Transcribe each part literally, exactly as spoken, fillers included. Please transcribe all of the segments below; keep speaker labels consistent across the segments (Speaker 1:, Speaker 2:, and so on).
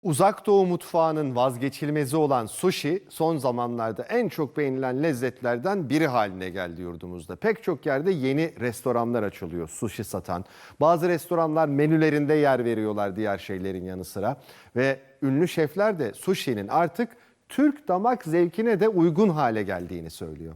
Speaker 1: Uzak Doğu mutfağının vazgeçilmezi olan sushi son zamanlarda en çok beğenilen lezzetlerden biri haline geldi yurdumuzda. Pek çok yerde yeni restoranlar açılıyor sushi satan. Bazı restoranlar menülerinde yer veriyorlar diğer şeylerin yanı sıra. Ve ünlü şefler de sushi'nin artık Türk damak zevkine de uygun hale geldiğini söylüyor.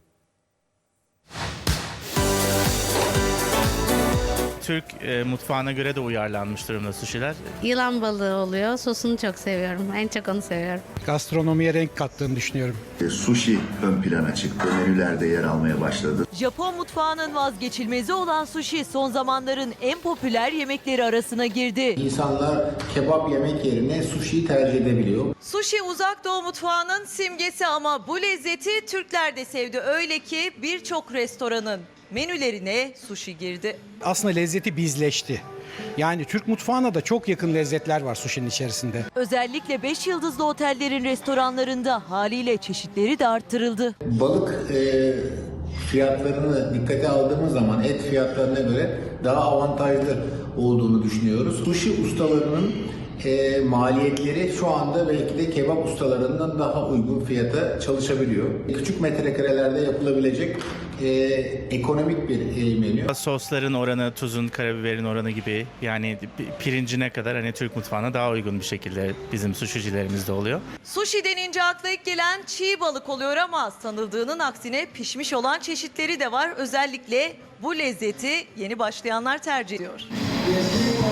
Speaker 2: Türk e, mutfağına göre de uyarlanmış durumda suşiler.
Speaker 3: Yılan balığı oluyor. Sosunu çok seviyorum. En çok onu seviyorum.
Speaker 4: Gastronomiye renk kattığını düşünüyorum.
Speaker 5: Sushi ön plana çıktı. Menülerde yer almaya başladı.
Speaker 6: Japon mutfağının vazgeçilmezi olan sushi son zamanların en popüler yemekleri arasına girdi.
Speaker 7: İnsanlar kebap yemek yerine sushi'yi tercih edebiliyor.
Speaker 6: Sushi uzak doğu mutfağının simgesi ama bu lezzeti Türkler de sevdi. Öyle ki birçok restoranın menülerine sushi girdi.
Speaker 4: Aslında lezzeti bizleşti. Yani Türk mutfağına da çok yakın lezzetler var sushi'nin içerisinde.
Speaker 6: Özellikle beş yıldızlı otellerin restoranlarında haliyle çeşitleri de arttırıldı.
Speaker 7: Balık e, fiyatlarını dikkate aldığımız zaman et fiyatlarına göre daha avantajlı olduğunu düşünüyoruz. Sushi ustalarının e, maliyetleri şu anda belki de kebap ustalarından daha uygun fiyata çalışabiliyor. Küçük metrekarelerde yapılabilecek e, ekonomik bir e, menü.
Speaker 2: Sosların oranı, tuzun, karabiberin oranı gibi, yani pirincine kadar hani Türk mutfağına daha uygun bir şekilde bizim suşicilerimizde oluyor.
Speaker 6: Sushi denince akla ilk gelen çiğ balık oluyor ama sanıldığının aksine pişmiş olan çeşitleri de var. Özellikle bu lezzeti yeni başlayanlar tercih ediyor.